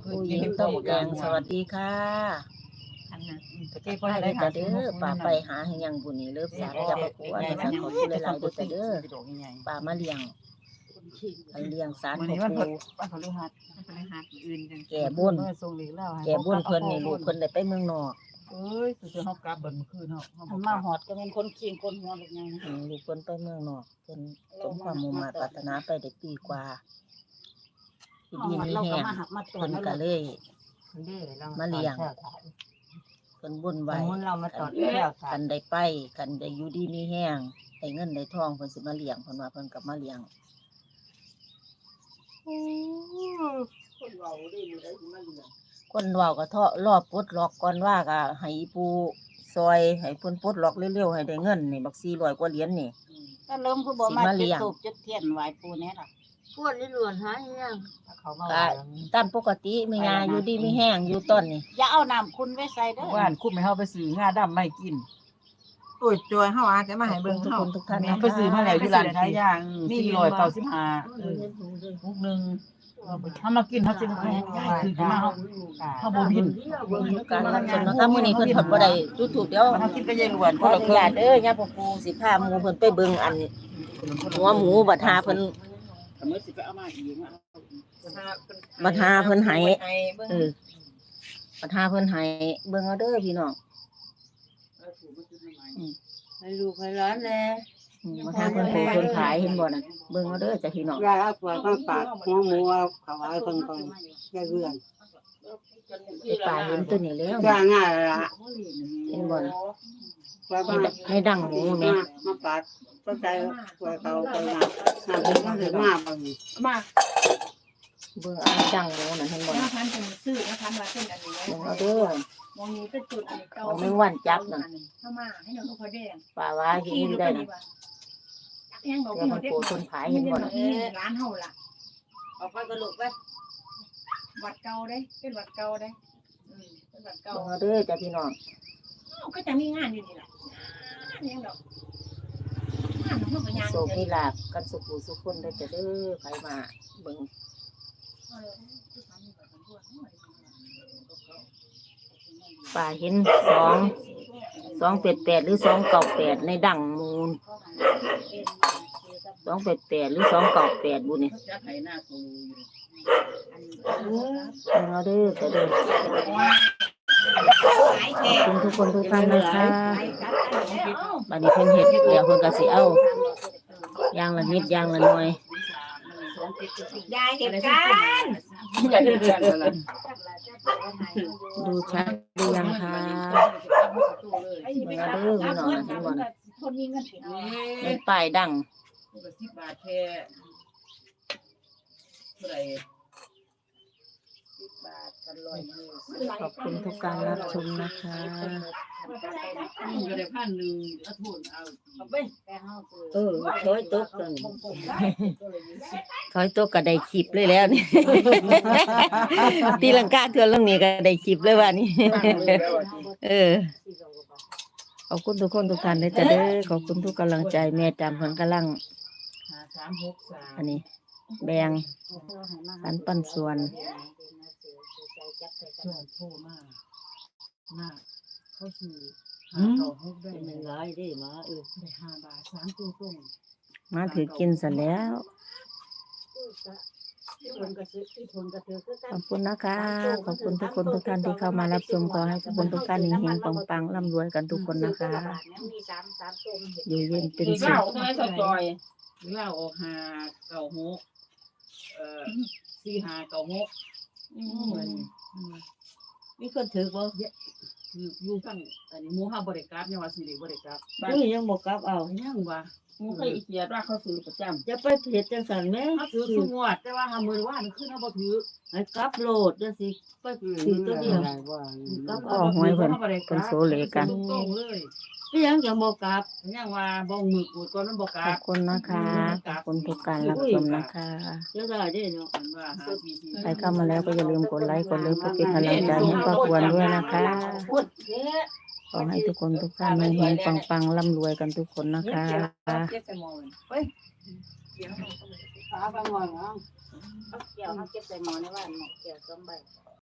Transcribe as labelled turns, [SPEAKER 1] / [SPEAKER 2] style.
[SPEAKER 1] ผู้หญิงต้มแกงสวัสดีค่ะ
[SPEAKER 2] อันนั้นตะ
[SPEAKER 1] ทั
[SPEAKER 2] กี้
[SPEAKER 1] ก
[SPEAKER 2] ก็
[SPEAKER 1] ทาย
[SPEAKER 2] ได้
[SPEAKER 1] ด้วย
[SPEAKER 2] หา
[SPEAKER 1] จ้ะเด้อป้าไปหาให้ยังบุญนี่เลิฟสารจับประกวดสักขอบคุณหลายๆด้วยจ้ะเด้อป้ามาเลี้ยงไปเลี้ยงสาร
[SPEAKER 2] วัน
[SPEAKER 1] พ่อ
[SPEAKER 2] นี้วัน
[SPEAKER 1] ปู่
[SPEAKER 2] พฤหัสอื่น
[SPEAKER 1] แก่บุญ
[SPEAKER 2] ส่งหลีกแล้ว
[SPEAKER 1] แก่บุญเพิ่นนี่ลูกเพิ่นได้ไปเมืองนอก
[SPEAKER 2] เอ้ยคือเฮากลับเบิ่นคืนเฮา
[SPEAKER 3] มาหอดก็เป็นคนขี้คนหัวลูกไงนะ
[SPEAKER 1] ลูกเพิ่นไปเมืองนอกเพิ่นสมความมุ่งมั่นปรารถนาไปได้ปีกว่าที่ดีมี
[SPEAKER 3] เรา
[SPEAKER 1] แห้
[SPEAKER 3] ก็
[SPEAKER 1] ง
[SPEAKER 3] มาหักมาตรว
[SPEAKER 1] เพิ่
[SPEAKER 3] จ
[SPEAKER 1] น
[SPEAKER 3] แล้ว
[SPEAKER 1] ก็เลย
[SPEAKER 2] มาเลี้ยง
[SPEAKER 1] เพิ่นบุญ
[SPEAKER 2] ส
[SPEAKER 1] ไว้
[SPEAKER 2] มมุติเรามาตอดแก้ว
[SPEAKER 1] กันได้ไปกันได้อยู่ดีมีแห้งได้เงินได้ทองเพิ่นสิมาเลี้ยงเพิ่นว่าเพิ่นกลับมาเลี้ยง
[SPEAKER 3] คนเราได้อยู่ได้มาเลี้ยง
[SPEAKER 1] คนเว้าก็เทาะรอบปลดล็อกก่อนว่าก็ให้อีปูซอยให้เพิ่นปลดล็อกเร็วๆให้ได้เงินนี่บัก400กว่าเหรียญนี่
[SPEAKER 3] ถ้าเริ่มคือบ่มา
[SPEAKER 1] สิมาเลี้
[SPEAKER 3] จุด
[SPEAKER 1] ยง
[SPEAKER 3] ตูบจุดเทียนไหว้ปู่แน่ล่ะ
[SPEAKER 4] พวดนี่หลวนหายัง
[SPEAKER 2] เขามา
[SPEAKER 1] ก็ตามปกติแม่ยาอยู่ดีมีแห้งอยู่ต้นนี่
[SPEAKER 3] อย่าเอาน้ำคุณไว้ใส่เด้อ
[SPEAKER 2] ว่านคุมให้เฮาไปซื้องาดำไม่กิน
[SPEAKER 5] โอ้ยจอยเฮาอาจจะมาให้
[SPEAKER 1] เบิ่
[SPEAKER 5] เบิ่
[SPEAKER 1] ง
[SPEAKER 5] ง
[SPEAKER 1] ทุก
[SPEAKER 5] เฮา
[SPEAKER 1] คนทุกท่าน
[SPEAKER 2] ไปซื้อมาแล้วอยู่ร้านขายย่าง495มุกนึงเฮามากินเฮาสิบ่ให้คือมาเฮาบ่บิน
[SPEAKER 1] เบิ่งทุกการรับชมนะคะมื้อนี้เพิ่นเพิ่นบ่ได้จุดถูกเดี๋ยว
[SPEAKER 2] เฮากินก็ยายล้วน
[SPEAKER 1] ขออนุญาตเด้อย่าพ่อปู่สิพาหมู่เพิ่นไปเบิ่งอันหัวหมูบัดหาเพิ่น
[SPEAKER 3] ถ้ามื้อสิไปเอามาอีกอ่ะ
[SPEAKER 1] บัดหาเพิ่นให้
[SPEAKER 5] เบิ่ง
[SPEAKER 1] บัดหาเพิ่นให้เบิ่งเอาเด้อพี่น้อง
[SPEAKER 4] ให้ลูกให้หลานแน่
[SPEAKER 1] บัดหาเพิ่นโปรเพิ่นขายเห็นบ่น่ะเบิ่งเอาเด้อจ้ะพี่น้อง
[SPEAKER 4] ยายเอาขวดข้างปากหัวหมูเอาขาวไอ้คนก่อนยายเรือน
[SPEAKER 1] ไอ้ป่าเห็นตัวนี้แล้ว
[SPEAKER 4] ย่างง่ายละ
[SPEAKER 1] เห็นบ่น่ะ
[SPEAKER 4] ขวดมา
[SPEAKER 1] ในดังหมูแม่
[SPEAKER 4] มาปาดก็ใจขวดเขาไปมาเป็นก็เลยมาบาง
[SPEAKER 3] มา
[SPEAKER 1] เบิ่งอันดังหมูน่ะเห็นบ่น่ะ
[SPEAKER 3] พันเป็นซื้อนะคะมาเป็นอันนี้
[SPEAKER 1] เบิ่งเอาเด้อ
[SPEAKER 3] มองนี้เป็นจุดอันนี้เก่า
[SPEAKER 1] ของแมงวันจับนั่น
[SPEAKER 3] เข้ามาให้น้องเขาแดง
[SPEAKER 1] ป่าว่าเห็นอยู่ได้น่ะ
[SPEAKER 3] ยังบอก
[SPEAKER 1] เดี๋ยว
[SPEAKER 3] พี่
[SPEAKER 1] มัน
[SPEAKER 3] เด็ก
[SPEAKER 1] โปรเพิ่นขายเห็นบ่น่ะ
[SPEAKER 3] ร้านเฮาล่ะ
[SPEAKER 4] เอาไปกระโหลกไป
[SPEAKER 3] วัดเก่าได้เป็นวัดเก่าได้เป็นวัดเก่า
[SPEAKER 1] เบิ่งเอาเด้อจ้ะพี่น้อง
[SPEAKER 3] ก็จะมีงานอยู่นี่แหละงานยังดอกงานของมันก็ยัง
[SPEAKER 1] โศกมีลาภกันสุขหูสุขคนได้อจ้ะเด้อใครมาเบิ่งป่าเห็น288หรือ298ในดังมูล288หรือ298บุนี่
[SPEAKER 3] จะไถหน้ากู
[SPEAKER 1] เอาเด้อจ้ะเด้อขอบคุณทุกคนทุกท่านนะคะบัดนี้เพิ่นเฮ็ดเดี๋ยวเพิ่นก็สิเอาอย่างละนิดอย่างละหน่อย
[SPEAKER 3] ยายเก็บกัน
[SPEAKER 1] ดูชัดหรือยังคะเบิ่งเอาเด้อพี่น้องนะเห็นบ่น่ะ
[SPEAKER 3] คนมีเงิน
[SPEAKER 1] ในป้ายดัง
[SPEAKER 2] 10 บาทแท้เท่าไหร่
[SPEAKER 3] บาทกันลอยมือ
[SPEAKER 1] ขอบคุณทุกการรับชมนะคะ
[SPEAKER 2] ก็ได้1,000เอาทุนเอา
[SPEAKER 3] แต่เฮาคือ
[SPEAKER 4] ถอยตกกัน
[SPEAKER 1] ถอยตัวก็ได้คลิปเลยแล้วนี่ ตีลังกาเทือนลงนี้ก็ได้คลิปเลยว่านี่ ขอบคุณทุกคนทุกท่านเลยจ้ะเด้อขอบคุณทุกกำลังใจแม่จำเพิ่นกำลัง
[SPEAKER 2] 5363
[SPEAKER 1] อันนี้แบ่งปันปันส่วน
[SPEAKER 2] โทรมาเขาซื้อ596ได้
[SPEAKER 4] มันหลายได้มา
[SPEAKER 2] ได้5 บาท3ตัวตรง
[SPEAKER 1] มาถือกินซะแล้ว
[SPEAKER 4] คนก็ซื้อที่คนก็ถือก็
[SPEAKER 1] ขอบคุณนะคะ ขอบคุณทุกคนทุกท่านที่เข้ามารับชมขอให้ทุกคนทุกท่านเฮงๆปังๆร่ำรวยกันทุกคนนะคะ
[SPEAKER 3] มี3ตัว
[SPEAKER 1] อยู่เย็นเป็นสุ
[SPEAKER 2] เล่า
[SPEAKER 1] ข
[SPEAKER 2] ทำไมสจอยเล่าออก5964596เหมือน
[SPEAKER 4] มีคนถือบ่
[SPEAKER 2] คืออยู่ทั้งอันนี้หมู่เฮาบ่ได้กลับยังว่าสิได้บ่ได้กลับบ้าน
[SPEAKER 4] อุ้ยยังบ่กลับเอา
[SPEAKER 2] ยังว่าหมู่เคยอีเกียดว่าเขาซื้อประจำ
[SPEAKER 4] จะไปเฮ็ดจังซั่นแม่
[SPEAKER 2] เขาซื้อทุกงวดแต่ว่าหามื้อว่านคือเฮาบ่ถือ
[SPEAKER 4] ให้กลับโลดจังสิไปถือตัวเดียวกลับ
[SPEAKER 1] อ๋อหวยเพิ่นเพิ่นโซเลกัน
[SPEAKER 2] ตรงๆเลย
[SPEAKER 4] พี่ยังจะบ่กลับ
[SPEAKER 2] ยังว่าบ่มือกูดก่อนมันบ่ก
[SPEAKER 1] ข
[SPEAKER 2] ลั
[SPEAKER 1] อบบ คุณนะคะ ขอบคุณทุกการรับชมนะคะ
[SPEAKER 4] จะได้เด้เนาะ
[SPEAKER 2] อันว่าหาทีที
[SPEAKER 1] ใครเข้ามาแล้วก็อย่าลืมกดไลค์กดเลิฟเพื่อเป็นกำลังใจให้ป้าควรด้วยนะคะ ขอให้ทุกคนทุกท่านเฮงๆปังๆร่ำรวยกันทุกคนนะคะ
[SPEAKER 3] เก็บใส่หม้อเฮ้ยเดี๋ยว
[SPEAKER 4] ขาบางวันเนาะ
[SPEAKER 3] เกี่ยวเฮาเก็บใส่หม้อในบ้านหม้อเกี่ยว2ใบ